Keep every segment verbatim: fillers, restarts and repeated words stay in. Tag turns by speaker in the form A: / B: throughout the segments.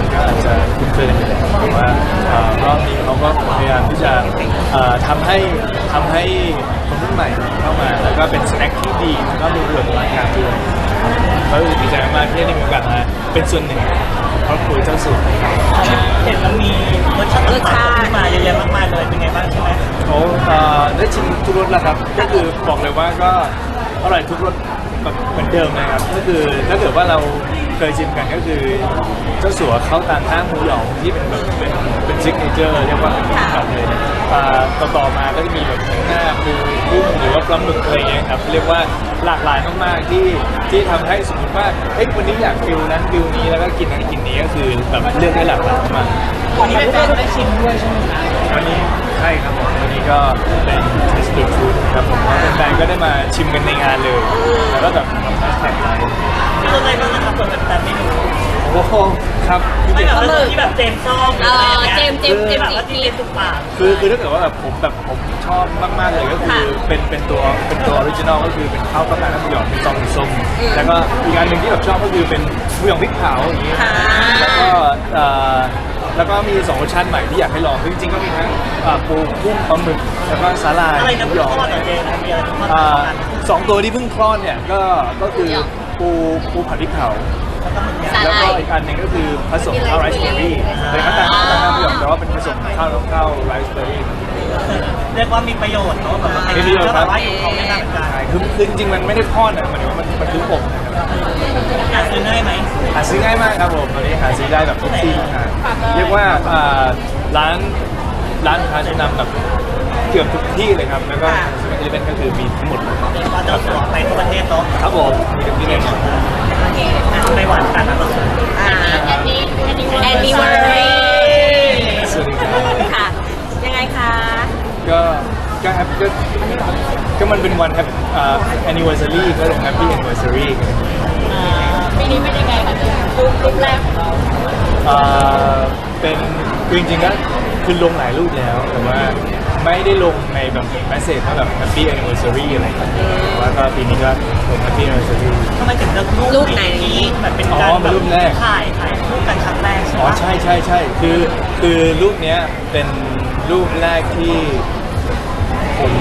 A: นก็อาจจะคุ้นเคยกันอยู่แล้วแต่ว่ารอบนี้เขาก็พยายามที่จะทำให้ทำให้คนรุ่นใหม่เข้ามาแล้วก็เป็นสแน็คที่ดีแล้วก็ดูเรื่องรายการด้วยก็รู้สึกดีใจมากที่ได้มีโอกาสมาเป็นส่วนหนึ่งครอบครัวเจ้าสัว
B: เห็นมันมีรสชาติต่างๆขึ้นมาเยอะแยะมากมายเลยเป็นไงบ้างใช่ไหม
A: โอ้ได้ชิมทุกรสแล้วครับก็คือบอกเลยว่าก็อร่อยทุกรสแบบเหมือนเดิมนะครับก็คือถ้าเกิดว่าเราเคยชิมกันก็คือเจ้าสัวเขาตามห้างหมูหยองที่เป็นแบบเป็นเป็นซิกเนเจอร์เรียกว่าเป็นแบบเลยต่อต่อมาก็จะมีแบบหน้าปูกุ้งหรือว่าปลาหมึกอะไรเงี้ยครับเรียกว่าหลากหลายมากๆที่ที่ทำให้สมมติว่าเอ้ยวันนี้อยากฟิลนั้นฟิลนี้แล้วก็กินนั้นกินนี้ก็คือแบบเลือกได้หลากหลายมาก
B: วันนี้แฟนๆได้ชิมด้วยใช่ไหมคะ
A: วันนี้ใช่ครับผมวันนี้ก็เป็นเทสต์ฟู้ดครับผมแฟนๆก็ได้มาชิมกันในงานเลยแล้วก็แบบทำแฮชแท็กไลน์
B: มีอะไรบ้างนะครับคนแฟนๆไม่รู้
A: โอ้โหครับ
B: ไม่แบบที่แบบเจมชอบ
C: เออเจมเจมเจม
B: แบบว่าที่เจมตุกปาก
A: คือคือถ้าเกิดว่าแบบผมแบบผมชอบมากๆเลยก็คือเป็นเป็นตัวเป็นตัวออริจินอลก็คือเป็นข้าวต้มน้ำหมูหยองเป็นซองส้มแล้วก็อีกอันหนึ่งที่แบบชอบก็คือเป็นหมูหยองพริกเผาอย่างนี้แล้วก็แล้วก็มีสองรสชาติใหม่ที่อยากให้ลองจริงๆก็มีทั้งปูกุ้งปลาหมึกแล้วก็สาลาย
B: อะไรนะ
A: หมูหยอง
B: ส
A: องตัวที่เพิ่งคลอดเนี่ยก็ก็คือปูปูผัดพริกเผาแล้วก็อีกอันหนึ่งก็คือผสมข้าวไรซ์เบอร์รี่เป็นข้าวตาลข้าวตาลน้ำหยองแต่ว่าเป็นผสมข้าวข้าวไรซ์เบอร์รี่
B: เรียกว่ามีประโยชน์เนาะแบบว่ามีประโยชน์ครับเขาไม่น่าเหมือนกัน
A: คือคือจริงๆมันไม่ได้ทอดนะมันมันมันคืออบ
B: หาซื้อง่ายไหม
A: หาซื้อง่ายมากครับผมตอนนี้หาซื้อได้แบบทุกที่เรียกว่าร้านร้านค้าชั้นนำแบบเกือบทุกที่เลยครับแล้วก็เอลิเมนต์ก็คือมีทั้งหมด
B: ว่าจะส่งไปทั่วประเทศเนาะ
A: ครับผมมีทุกที่เลย
B: ในวันกันนะ
C: อ่าแอนนี่แอนนี่เวอร์รี่
A: สวัสดีครับ
C: ค่ะยังไงคะ
A: ก็ก็แฮปก็ก็มันเป็นวันแฮปอ่าแอนนิเวอร์ซารีก็เลยแฮปปี้แอนนิเวอร์ซารี
C: ปีนี้เป็นยังไงคะรูปรูปแรกของเรา
A: อ่าเป็นจริงๆก็คือลงหลายรูปแล้วแต่ว่าไม่ได้ลงในแบบแมสเซจว่าแบบ Happy Anniversary อะไรกันว่าก็ปีนี้ก็ลง Happy Anniversary
B: ทำไมถึงเลือกรูปไหนแบบเป็นการแบบถ่ายถ่ายรูปกันครั้งแรกใช่ไหม
A: อ๋อใช่ใช่ใช่คือคือรูปเนี้ยเป็นรูปแรกที่ผม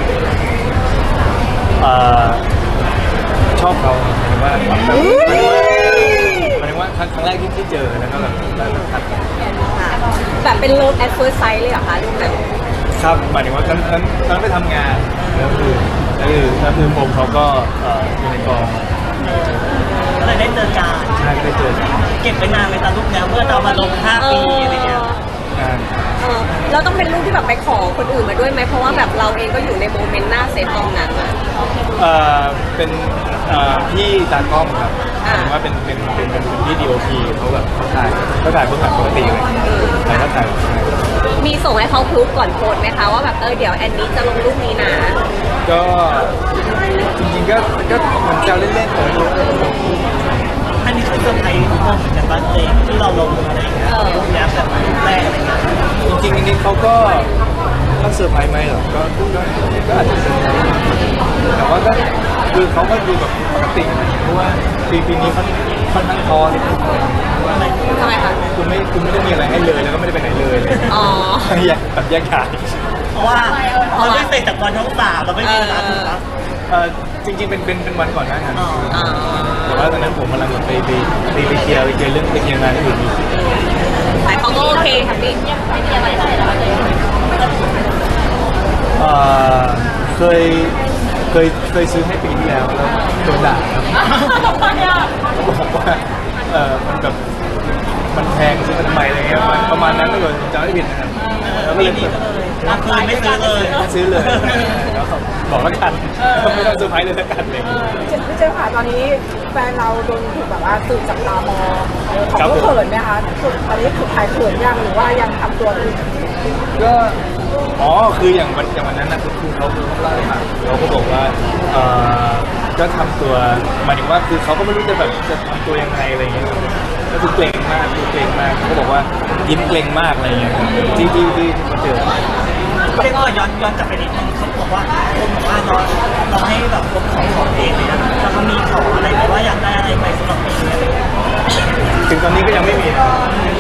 A: ชอบเขาหมายถึงว่าหมายถึงว่าหมายถึงว่าครั้งครั้งแรกที่ที่เจอแล้วก็แบบได้แบบทัก
C: แบบเป็นรูป at first sight เลยเหรอคะรูปนั้น
A: ครับหมายถึงว่าครั้งครั้งครั้งไปทำงานแล้วคือแล้วคือแล้วคือผมเขาก็อยู่ในกอง
B: ก็เลยได้เจอกัน
A: ใช่ก็ได้เจอกัน
B: เก็บไปนานไหมตอนรูปนี้เมื่อเรามาลงห้าปีอะไรเงี้ย
A: นาน
C: เราต้องเป็นรูปที่แบบไปขอคนอื่นมาด้วยไหมเพราะว่าแบบเราเองก็อยู่ในโมเมนต์หน้าเซตตรงนั้น
A: เออเป็นพี่ตากล้องครับหมายถึงว่าเป็นเป็นเป็นเป็นพี่ดีโอพีเขาแบบเขาถ่ายเขาถ่ายเบื้องหลังปกติเลยแต่เขาถ่าย
C: มีส่งให้เขาพรูฟก่อนโพสไหมคะว่าแบบเออเดี๋ยวแอนนี้จะลงรูปนี้นะ
A: ก็จริงๆก็ก็เหมือนแซวเล่นๆแต่ไม่รู้
B: อันนี้คือเซอร์ไพรส์ทุกคนเหมือนกันบ้างเลยที่เราลงอะไรอย่างเงี้ยรูปนี้แบบรูปแรกอะไรเงี้ย
A: จริงๆอันนี้เขาก็ก็เซอร์ไพรส์ไหมหรอก็ก็ก็อาจจะเซอร์ไพรส์แต่ว่าก็คือเขาก็ดูแบบปกติเพราะว่าปีปีนี้เขาค่อนข้างท้อเลย
C: ทำไมคะ
A: คุณไม่คุณไม่ได้มีอะไรให้เลยแล้วก็ไม่ได้ไปไหนเลย
C: อ๋อ
A: อยากแบบแยกขาย
B: เพราะว่าเราไม่เสร็จจากวันท้องสามเราไม่มีเวลาถูกปะ
A: เออจริงๆเป็นเป็นเป็นวันก่อนหน้านั้นแต่ว่าตอนนั้นผมกำลังไปไปไปไปเคลียร์ไปเคลียร์เรื่องไปเคลียร์งานที่อื่นอีก
C: แต่เขาก็โอเคค่ะพี่ไม่มีอะไรเลยแล้ว
A: เออเคยเคยเคยซื้อให้ปีที่แล้วแล้วโดนด่าครับเขาบอกว่าเออมันแบบมันแพงซื้อทำไมอะไรเงี้ยประมาณนั้นก็เลยจำไม่ผิดนะครับ
B: แล้วก็เลยราคาไม่ซื้อเลย
A: ไม่ซื้อเลยบอกแล้วกันไม่ต้องเซอร์ไพรส์เลยแล้วกันเลย
D: พี่เจ้าค่ะตอนนี้แฟนเราโดนถูกแบบว่าสื่อจับตามองเขาเขินไหมคะตอนนี้ถูกใครเขินยังหรือว่ายังทำตัวอยู่
A: ก็อ๋อคืออย่างวันอย่างวันนั้นนะคือเขาคือเขาเล่าให้ฟังเขาก็บอกว่าเออก็ทำตัวหมายถึงว่าคือเขาก็ไม่รู้จะแบบจะทำตัวยังไงอะไรอย่างเงี้ยก็คือเกรงมากคือเกรงมากเขาบอกว่ายิ้มเกรงมากอะไรอย่างเงี้ยที่ที่ที่เขาเจอ
B: เรียกว่าย้อนย้อนกลับไปนิดนึงเขาบอกว่าคนบอกว่าเราเราให้แบบคนของของเองเลยนะแล้วเขามีขออะไรหรือว่าอยากได้อะไรไปสำหรับปีนี้
A: ถึงตอนนี้ก็ยังไม่มี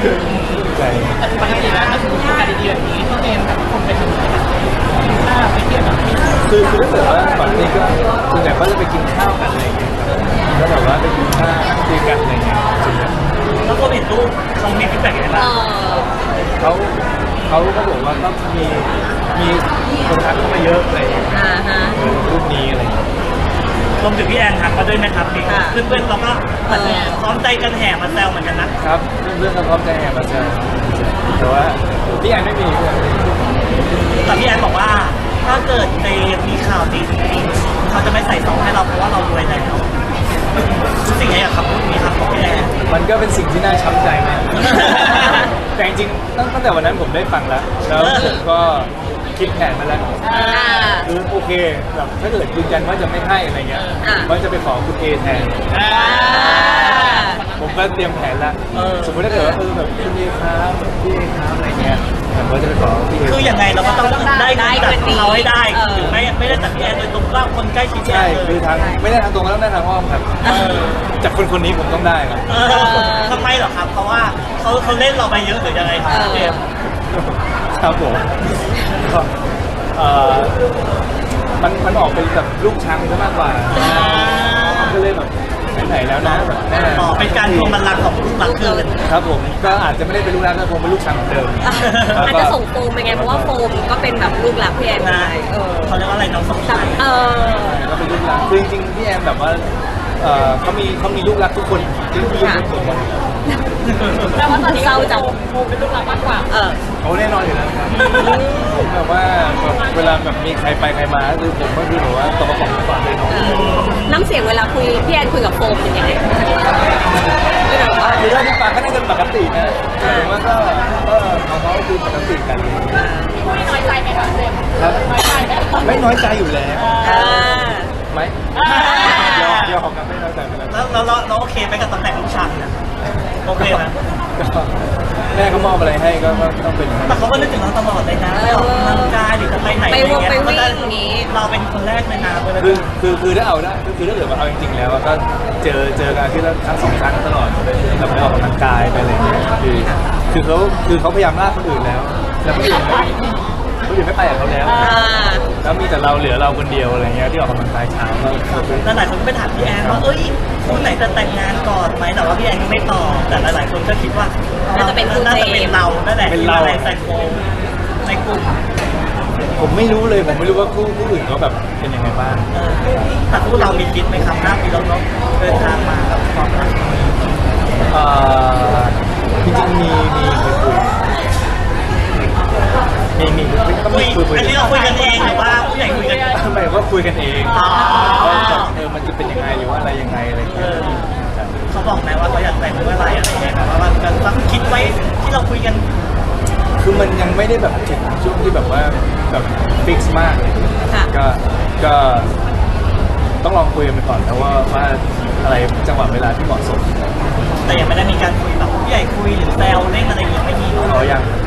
A: ใช่
B: ปกติแล้วถ้าสมมติมีการดีๆแบบนี้พี่เจมส์แบบคนไปถึงไหนแบบกินข้าวไปเที่ยวแบบนี้
A: คือคือถ้าเกิดว่าก่อนนี้ก็ส่วนใหญ่ก็จะไปกินข้าวกันอะไรอย่างเงี้ยครับก็แบบว่าไปกินข้าวนั่งคุยกันอะไรอย่างเงี้ยส่วนใหญ่
B: แล้วก็เห็นรูปเขามีฟีดแบ็กยังไง
C: เอ
B: บ้าง
C: อ
A: เขาเขาก็บอกว่าก็มีมีคนทักเข้ามาเยอะอะไรอย่างเงี้ย
C: อ่าฮะ
A: เออรูปนี้อะไรอย่างเงี้ย
B: รวมถึงพี่แอนทักมาด้วยไหมครับพี่
C: ค่ะ
B: เพื่อนๆเราก็พร้อมใจกันแห่มาแซวเหมือนกันนะครับ
A: เรื่องเขาพร้อมใจแห่มาเจอแต่ว่าพี่แอนไม่มีเพื่อน
B: แต่พี่แอนบอกว่าถ้าเกิดในมีข่าวดีจริงๆเขาจะไม่ใส่ซองให้เราเพราะว่าเรารวยแล้วรู้สึกไงกับคำพูดนี้ครับของพี่แอน
A: มันก็เป็นสิ่งที่น่าช้ำใจมาก แต่จริงๆตั้งตั้งแต่วันนั้นผมได้ฟังแล้ว แล้วผมก็คิดแผนมาแล้ว
C: อ่า
A: คือโอเคแบบถ้าเกิดยืนยันว่าจะไม่ให้อะไรเงี้ย
C: อ่า
A: ว่าจะไปขอคุณเอแทน
C: อ่า
A: ผมก็เตรียมแผนแล้ว
B: เออ
A: สมมติถ้าเกิดว่าเออแบบคุณเอครับแบบพี่เอครับอะไรเงี้ยผมก็จะไปขอพี่เอ
B: คือยังไงเราก็ต้องได้
C: ได้
B: จาก
C: คนดี
B: เขาให้ได้
C: เออ
B: ถึงไม่ไม่ได้จากพี่แอนโดยตรงว่าคนใกล้ชิดพี่แอ
A: ใช่
B: นเล
A: คือย ทางไม่ได้ทางตรงก็ต้องได้ทางอ้อมครับ
B: เออ
A: จากคนคนนี้ผมต้องได้ครับ
B: เออทำไมเหรอครับ เพราะว่าเขาเขาเล่นเราไปเยอะหรือยังไงครับพี่เจมส์
A: ครับผมก็เอ่อมันมันออกเป็นแบบลูกช้างซะมากกว่าก็เลยแบบไหนๆแล้วนะแบบแม่
B: ต่อเป็นการทวงบัลลังก์ของลูกหลักคืน
A: ครับผมก็อาจจะไม่ได้เป็นลูกรักแต่ผมเป็นลูกช้างเหมือนเดิม
C: อาจจะส่งโฟมไปไงเพราะว่าโฟมก็เป็นแบบลูกหลักพี่แอน
B: นะ
C: ได้เออ
B: เขาเรียกว่าอะไรน้องสมชาย
C: เออ
A: ก็เป็นลูกรักคือจริงๆพี่แอมแบบว่าเอ่อเขามีเขามีลูกรักทุกคนที่ที่ยกเป็นผม
C: แต่ว่าตอนนี้เศร้าจังโฟมเป็นลูกหลักมากกว่าเออ
A: เขาแน่นอนอยู่แล้วครับผมแบบว่าแบบเวลาแบบมีใครไปใครมาคือผมก็คือแบบว่าตัวประกอบก่อนเลยเนาะ
C: เออน้ำเสียงเวลาคุยพี่แอนคุยกับโฟมเป็นยังไงไม่แบบว่า
A: คือถ้าที่ฟังก็น่าจะปกตินะผมว่าก็ก็เขาเขาคือปกติกัน
C: ไม่น้อยใจไหมคะเจม
A: ครับไม่น้อยใจอยู่แล้ว
C: อ่า
A: ไหมยอมยอมครับไม่น้อยใจไม่น้อยใจ
B: แล้วเราเราเราโอเคไหมกับตำแหน่งลูกชังเนี่ยโอเคนะ
A: ก็แม่เขามอบอะไรให้ก็ก็ต้องเป็นอย่างนั้น
B: แต่เขาก็นึกถึงเราตลอดเลยนะไปออกกำลังกายหรือจะไปไหน
C: ไปวงไปวิ่ง
B: อะไร
C: อย่างงี้
B: เราเป็นคนแรกเลยนะเวลา
A: คือคือคือถ้าเอาได้คือถ้าเกิดว่าเอาจริงๆแล้วก็เจอเจอกันที่ละครั้งสองครั้งตลอดแบบไปออกกำลังกายไปอะไรอย่างเงี้ยคือคือเขาคือเขาพยายามลากคนอื่นแล้ว แล้วคนอื่นไม่คนอื่นไม่ไปกับเขาแล้ว
C: อ่า
A: แล้วมีแต่เราเหลือเราคนเดียวอะไรเงี้ยที่ออกกำลังกายเช้าก็ก็คือ
B: แล้วหลายคนก็ไปถามพี่แอนว่าเอ้ยคู่ไหนจะแต่งงานก่อนไหมแต่ว่าพี่แอนก็ไม่ตอบแต่หลายๆคนก็คิดว่า
C: น่าจะเป็นคู่
B: น่าจะเป็นเรานั่นแหละ
A: เป็น
B: ที่
A: เรา
B: มาแรงใส่โฟมในกลุ่ม
A: ผมไม่รู้เลยผมไม่รู้ว่าคู่คู่อื่นเขาแบบเป็นยังไงบ้าง
B: เออแต่คู่เรามีคิดไหมครับห้าปีแล้วเนาะเดินทางมากับความรัก
A: เอ่อจริงๆมีมีมีคุยมีมีก็
B: คุ
A: มี
B: ย
A: คุยคุย
B: อันนี้เราคุยกันเองหรือว่าผู้ใหญ่คุยกัน
A: ทำไมว่าคุยกันเอง
B: อ๋อ
A: ว่าแบบเออมันจะเป็นยังไงหรือว่าอะไรยังไงอะไรอย่าง
B: เอ
A: เงี้ย
B: อเขาบอกไหมว่าเขาอยากแต่งเมื่อไหร่อะไรอย่างเงี้ยแบบว่ามันก็คิดไว้ที่เราคุยกัน
A: คือมันยังไม่ได้แบบถึงช่วงที่แบบว่าแบบฟิกซ์มากเลย
C: ค่ะ
A: ก็ก็ต้องลองคุยกันไปก่อนนะว่าว่าอะไรจังหวะเวลาที่เหมาะสม
B: แต่ยังไม่ได้มีการคุยแบบผู้ใหญ่คุยหรือแซวเล่นอะไรอย่างเงี้ยไม่มีเนอะ
A: เขายัง